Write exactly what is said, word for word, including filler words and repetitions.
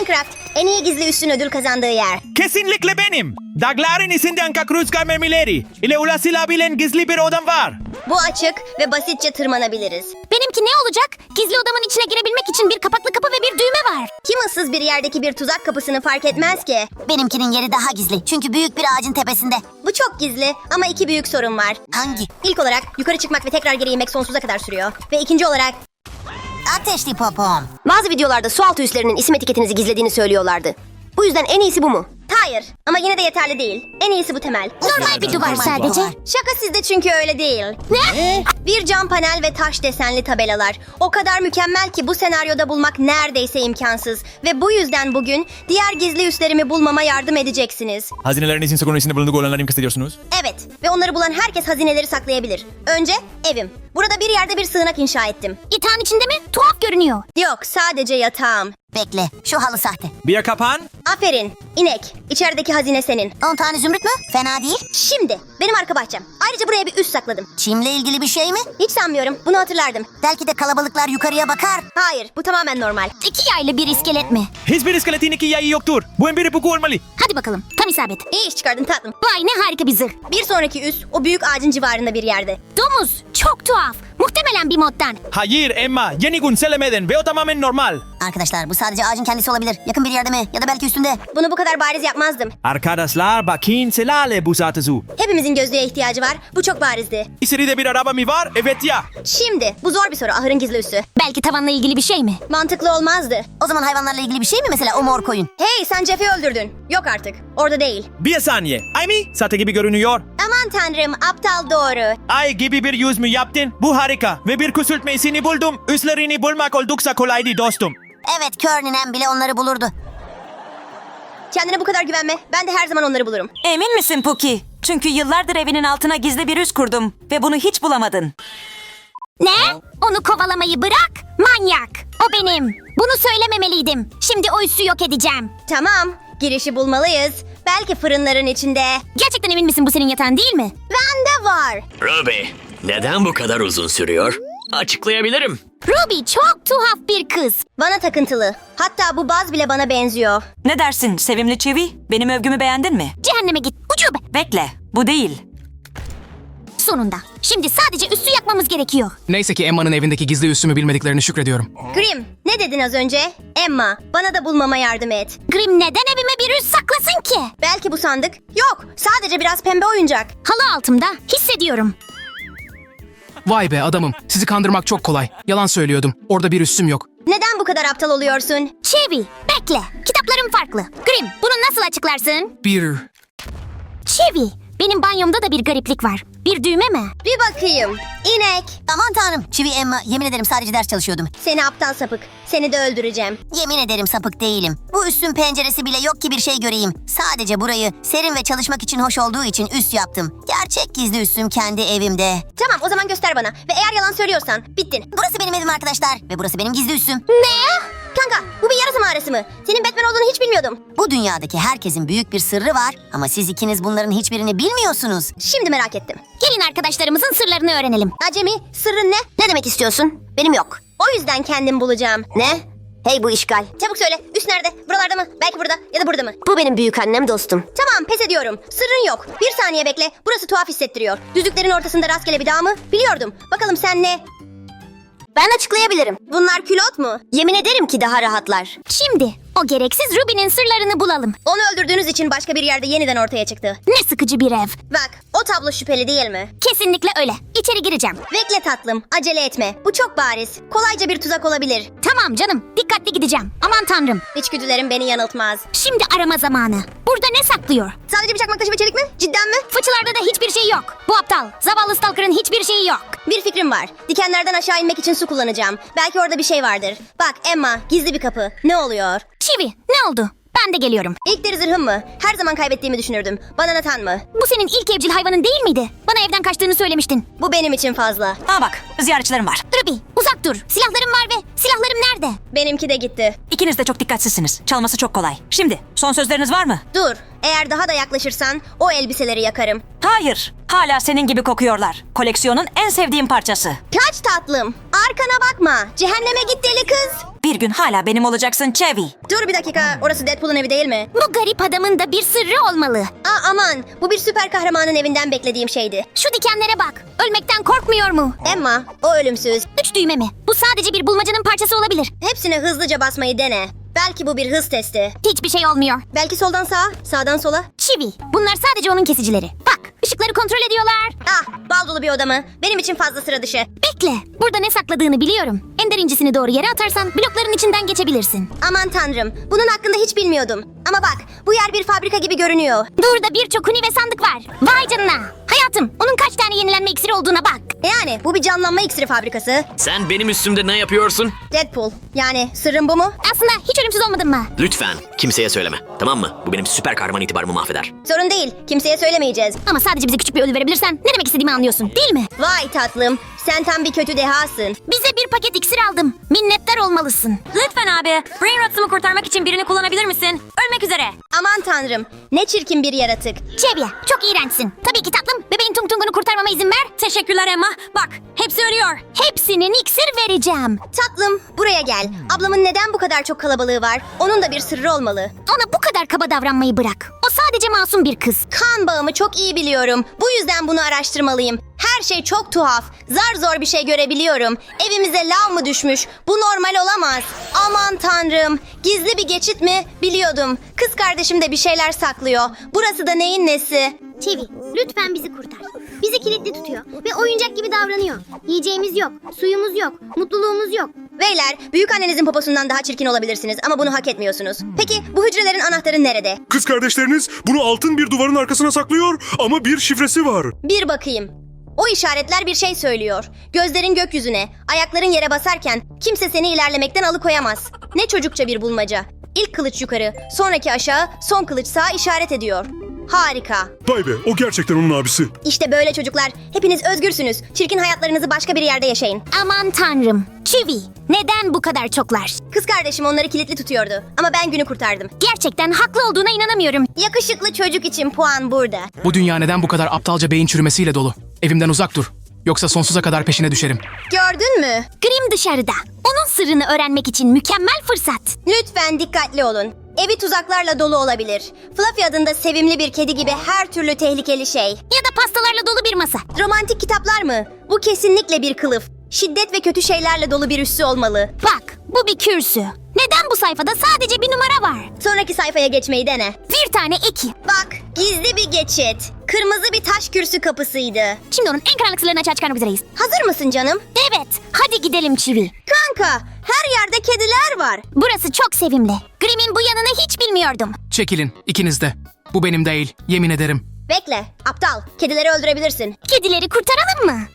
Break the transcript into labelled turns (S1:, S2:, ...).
S1: Minecraft, en iyi gizli üssün ödül kazandığı yer.
S2: Kesinlikle benim. Dağların içinden kakruzka mermileri ile ulaşılabilen gizli bir odam var.
S1: Bu açık ve basitçe tırmanabiliriz.
S3: Benimki ne olacak? Gizli odamın içine girebilmek için bir kapaklı kapı ve bir düğme var.
S1: Kim ıssız bir yerdeki bir tuzak kapısını fark etmez ki?
S4: Benimkinin yeri daha gizli. Çünkü büyük bir ağacın tepesinde.
S1: Bu çok gizli ama iki büyük sorun var.
S4: Hangi?
S1: İlk olarak yukarı çıkmak ve tekrar geri inmek sonsuza kadar sürüyor. Ve ikinci olarak
S4: Ateşli popom.
S1: bazı videolarda sualtı üslerinin isim etiketinizi gizlediğini söylüyorlardı. Bu yüzden en iyisi bu mu? Hayır ama yine de yeterli değil. En iyisi bu temel.
S3: Normal bir duvar
S4: Normal
S3: sadece.
S4: duvar.
S1: Şaka sizde çünkü öyle değil.
S3: Ne?
S1: Bir cam panel ve taş desenli tabelalar. O kadar mükemmel ki bu senaryoda bulmak neredeyse imkansız. Ve bu yüzden bugün diğer gizli üslerimi bulmama yardım edeceksiniz.
S2: Hazinelerinizin sakın içinde bulunduğu olanları mı kastediyorsunuz?
S1: Evet ve onları bulan herkes hazineleri saklayabilir. Önce evim. Burada bir yerde bir sığınak inşa ettim.
S3: Yatağın içinde mi? Tuhaf görünüyor.
S1: Yok sadece yatağım.
S4: Bekle. Şu halı sahte.
S2: Bir kapan.
S1: Aferin. İnek. İçerideki hazine senin.
S4: on tane zümrüt mü? Fena değil.
S1: Şimdi benim arka bahçem. Ayrıca buraya bir üs sakladım.
S4: Çimle ilgili bir şey mi?
S1: Hiç sanmıyorum. Bunu hatırlardım.
S4: Belki de kalabalıklar yukarıya bakar.
S1: Hayır bu tamamen normal.
S3: İki yaylı bir iskelet mi?
S2: Hiçbir iskeletin iki yayı yoktur. Bu en bir ipucu olmalı.
S3: Hadi bakalım. Tam isabet.
S1: İyi iş çıkardın tatlım.
S3: Vay ne harika bir zırh.
S1: Bir sonraki üs o büyük ağacın civarında bir yerde.
S3: Domuz. Çok tuhaf. Muhtemelen bir moddan.
S2: Hayır Emma, yeni gün söylemedin ve o tamamen normal.
S4: Arkadaşlar bu sadece ağacın kendisi olabilir. Yakın bir yerde mi? Ya da belki üstünde.
S1: Bunu bu kadar bariz yapmazdım.
S2: Arkadaşlar bakın selale bu satısı.
S1: Hepimizin gözlüğe ihtiyacı var. Bu çok barizdi.
S2: İçeride bir araba mı var? Evet ya.
S1: Şimdi bu zor bir soru ahırın gizli üssü.
S3: Belki tavanla ilgili bir şey mi?
S1: Mantıklı olmazdı.
S4: O zaman hayvanlarla ilgili bir şey mi mesela o mor koyun?
S1: Hey sen Jeff'i öldürdün. Yok artık. Orada değil.
S2: Bir saniye. Ay mı? Sahte gibi görünüyor.
S1: Aman tanrım aptal doğru.
S2: Ay gibi bir yüz mü yaptın? Bu harika. Ve bir küçültmesini buldum. Üslerini bulmak oldukça kolaydı dostum.
S4: Evet kör ninem bile onları bulurdu.
S1: Kendine bu kadar güvenme. Ben de her zaman onları bulurum.
S5: Emin misin Puki? Çünkü yıllardır evinin altına gizli bir üs kurdum ve bunu hiç bulamadın.
S3: Ne? Onu kovalamayı bırak. Manyak. O benim. Bunu söylememeliydim. Şimdi o üssü yok edeceğim.
S1: Tamam. Girişi bulmalıyız. Belki fırınların içinde.
S3: Gerçekten emin misin bu senin yatağın değil mi?
S1: Bende var.
S6: Ruby, neden bu kadar uzun sürüyor? Açıklayabilirim.
S3: Ruby çok tuhaf bir kız.
S1: Bana takıntılı. Hatta bu baz bile bana benziyor.
S5: Ne dersin sevimli çivi? Benim övgümü beğendin mi?
S3: Cehenneme git. Ucube.
S5: Bekle, bu değil.
S3: Sonunda. Şimdi sadece üssü yakmamız gerekiyor.
S7: Neyse ki Emma'nın evindeki gizli üssümü bilmediklerini şükrediyorum.
S1: Grim, ne dedin az önce? Emma, bana da bulmama yardım et.
S3: Grim neden evime bir üs saklasın ki?
S1: Belki bu sandık. Yok, sadece biraz pembe oyuncak.
S3: Halı altımda. Hissediyorum.
S7: Vay be adamım, sizi kandırmak çok kolay. Yalan söylüyordum, orada bir üssüm yok.
S1: Neden bu kadar aptal oluyorsun?
S3: Çevi, bekle. Kitaplarım farklı. Grim, bunu nasıl açıklarsın?
S7: Bir...
S3: Çevi, benim banyomda da bir gariplik var. Bir düğme mi?
S1: Bir bakayım. İnek.
S4: Aman tanrım. Çivi Emma yemin ederim sadece ders çalışıyordum.
S1: Seni aptal sapık. Seni de öldüreceğim.
S4: Yemin ederim sapık değilim. Bu üssün penceresi bile yok ki bir şey göreyim. Sadece burayı serin ve çalışmak için hoş olduğu için üs yaptım. Gerçek gizli üssüm kendi evimde.
S1: Tamam, o zaman göster bana. Ve eğer yalan söylüyorsan, bittin.
S4: Burası benim evim arkadaşlar ve burası benim gizli üssüm.
S1: Ne? Kanka, bu bir yarasa mağarası mı? Senin Batman olduğunu hiç bilmiyordum.
S4: Bu dünyadaki herkesin büyük bir sırrı var ama siz ikiniz bunların hiçbirini bilmiyorsunuz.
S1: Şimdi merak ettim.
S3: Gelin arkadaşlarımızın sırlarını öğrenelim.
S1: Acemi, sırrın ne? Ne demek istiyorsun? Benim yok. O yüzden kendim bulacağım. Ne? Hey bu işgal. Çabuk söyle. Üst nerede? Buralarda mı? Belki burada ya da burada mı? Bu benim büyük annem dostum. Tamam pes ediyorum. Sırrın yok. Bir saniye bekle. Burası tuhaf hissettiriyor. Düzlüklerin ortasında rastgele bir dağ mı? Biliyordum. Bakalım sen ne? Ben açıklayabilirim. Bunlar külot mu? Yemin ederim ki daha rahatlar.
S3: Şimdi o gereksiz Ruby'nin sırlarını bulalım.
S1: Onu öldürdüğünüz için başka bir yerde yeniden ortaya çıktı.
S3: Ne sıkıcı bir ev.
S1: Bak, o tablo şüpheli değil mi?
S3: Kesinlikle öyle. İçeri gireceğim.
S1: Bekle tatlım. Acele etme. Bu çok bariz. Kolayca bir tuzak olabilir.
S3: Tamam canım. Dikkatli gideceğim. Aman tanrım.
S1: İçgüdülerim beni yanıltmaz.
S3: Şimdi arama zamanı. Burada ne saklıyor?
S1: Sadece bir çakmak taşı ve çelik mi? Cidden mi?
S3: Fıçılarda da hiçbir şey yok. Bu aptal. Zavallı Stalker'ın hiçbir şeyi yok.
S1: Bir fikrim var. Dikenlerden aşağı inmek için su kullanacağım. Belki orada bir şey vardır. Bak Emma, gizli bir kapı. Ne oluyor?
S3: Çivi, ne oldu? Ben de geliyorum.
S1: İlk deri zırhım mı? Her zaman kaybettiğimi düşünürdüm. Bana Nathan mı?
S3: Bu senin ilk evcil hayvanın değil miydi? Bana evden kaçtığını söylemiştin.
S1: Bu benim için fazla.
S5: Aa bak, ziyaretçilerim var.
S3: Ruby, uzak dur. Silahlarım var ve silahlarım nerede?
S1: Benimki de gitti.
S5: İkiniz de çok dikkatsizsiniz. Çalması çok kolay. Şimdi, son sözleriniz var mı?
S1: Dur. Eğer daha da yaklaşırsan o elbiseleri yakarım.
S5: Hayır, hala senin gibi kokuyorlar. Koleksiyonun en sevdiğim parçası.
S1: Kaç tatlım. Arkana bakma. Cehenneme git deli kız.
S5: Bir gün hala benim olacaksın Chevy.
S1: Dur bir dakika. Orası Deadpool'un evi değil mi?
S3: Bu garip adamın da bir sırrı olmalı.
S1: Aa aman. Bu bir süper kahramanın evinden beklediğim şeydi.
S3: Şu dikenlere bak. Ölmekten korkmuyor mu?
S1: Emma, o ölümsüz.
S3: Üç düğme mi? Bu sadece bir bulmacanın parçası olabilir.
S1: Hepsine hızlıca basmayı dene. Belki bu bir hız testi.
S3: Hiçbir şey olmuyor.
S1: Belki soldan sağa, sağdan sola.
S3: Çivi. Bunlar sadece onun kesicileri. Bak, ışıkları kontrol ediyorlar.
S1: Ah, bal dolu bir oda mı? Benim için fazla sıra dışı.
S3: Bekle. Burada ne sakladığını biliyorum. Ender incisini doğru yere atarsan blokların içinden geçebilirsin.
S1: Aman tanrım, bunun hakkında hiç bilmiyordum. Ama bak, bu yer bir fabrika gibi görünüyor.
S3: Burada birçok huni ve sandık var. Vay canına. Hayatım, onun kaç tane yenilenme iksiri olduğuna bak.
S1: Yani bu bir canlanma iksiri fabrikası.
S6: Sen benim üstümde ne yapıyorsun?
S1: Deadpool. Yani sırrım bu mu?
S3: Aslında hiç ölümsüz olmadın mı?
S6: Lütfen kimseye söyleme. Tamam mı? Bu benim süper kahraman itibarımı mahveder.
S1: Sorun değil, kimseye söylemeyeceğiz.
S3: Ama sadece bize küçük bir ödül verebilirsen ne demek istediğimi anlıyorsun, değil mi?
S1: Vay tatlım, sen tam bir kötü dehasın.
S3: Bize bir paket iksir aldım. Minnettar olmalısın.
S5: Lütfen abi, Brain Rots'umu kurtarmak için birini kullanabilir misin? Ölmek üzere.
S1: Aman tanrım, ne çirkin bir yaratık.
S3: Çevye, çok iğrençsin. Tabii ki tatlım, bebeğin tung tungunu kurtarmama izin ver.
S5: Teşekkürler Emma. Bak, hepsi ölüyor.
S3: Hepsinin iksir vereceğim.
S1: Tatlım, buraya gel. Ablamın neden bu kadar çok kalabalığı var? Onun da bir sırrı olmalı.
S3: Ona bu kadar kaba davranmayı bırak. O sadece masum bir kız.
S1: Kan bağımı çok iyi biliyorum. Bu yüzden bunu araştırmalıyım. Her şey çok tuhaf. Zar zor bir şey görebiliyorum. Evimize lav mı düşmüş? Bu normal olamaz. Aman tanrım. Gizli bir geçit mi? Biliyordum. Kız kardeşim de bir şeyler saklıyor. Burası da neyin nesi?
S8: Çevi, lütfen bizi kurtar. Bizi kilitli tutuyor ve oyuncak gibi davranıyor. Yiyeceğimiz yok, suyumuz yok, mutluluğumuz yok.
S1: Beyler, büyük annenizin poposundan daha çirkin olabilirsiniz ama bunu hak etmiyorsunuz. Peki bu hücrelerin anahtarı nerede?
S9: Kız kardeşleriniz bunu altın bir duvarın arkasına saklıyor ama bir şifresi var.
S1: Bir bakayım. O işaretler bir şey söylüyor. Gözlerin gökyüzüne, ayakların yere basarken kimse seni ilerlemekten alıkoyamaz. Ne çocukça bir bulmaca. İlk kılıç yukarı, sonraki aşağı, son kılıç sağa işaret ediyor. Harika.
S9: Vay be, o gerçekten onun abisi.
S1: İşte böyle çocuklar. Hepiniz özgürsünüz. Çirkin hayatlarınızı başka bir yerde yaşayın.
S3: Aman tanrım. Çivi, neden bu kadar çoklar?
S1: Kız kardeşim onları kilitli tutuyordu. Ama ben günü kurtardım.
S3: Gerçekten haklı olduğuna inanamıyorum.
S1: Yakışıklı çocuk için puan burada.
S7: Bu dünya neden bu kadar aptalca beyin çürümesiyle dolu? Evimden uzak dur. Yoksa sonsuza kadar peşine düşerim.
S1: Gördün mü?
S3: Grim dışarıda. Onun sırrını öğrenmek için mükemmel fırsat.
S1: Lütfen dikkatli olun. Evi tuzaklarla dolu olabilir. Fluffy adında sevimli bir kedi gibi her türlü tehlikeli şey.
S3: Ya da pastalarla dolu bir masa.
S1: Romantik kitaplar mı? Bu kesinlikle bir kılıf. Şiddet ve kötü şeylerle dolu bir üssü olmalı.
S3: Bak, bu bir kürsü. Neden bu sayfada sadece bir numara var?
S1: Sonraki sayfaya geçmeyi dene.
S3: Bir tane eki.
S1: Bak, gizli bir geçit. Kırmızı bir taş kürsü kapısıydı.
S3: Şimdi onun en karanlık sırlarını açığa çıkarmak üzereyiz.
S1: Hazır mısın canım?
S3: Evet, hadi gidelim Çivi.
S1: Kanka, her yerde kediler var.
S3: Burası çok sevimli. Grim'in bu yanını hiç bilmiyordum.
S7: Çekilin, ikiniz de. Bu benim değil, yemin ederim.
S1: Bekle, aptal. Kedileri öldürebilirsin.
S3: Kedileri kurtaralım mı?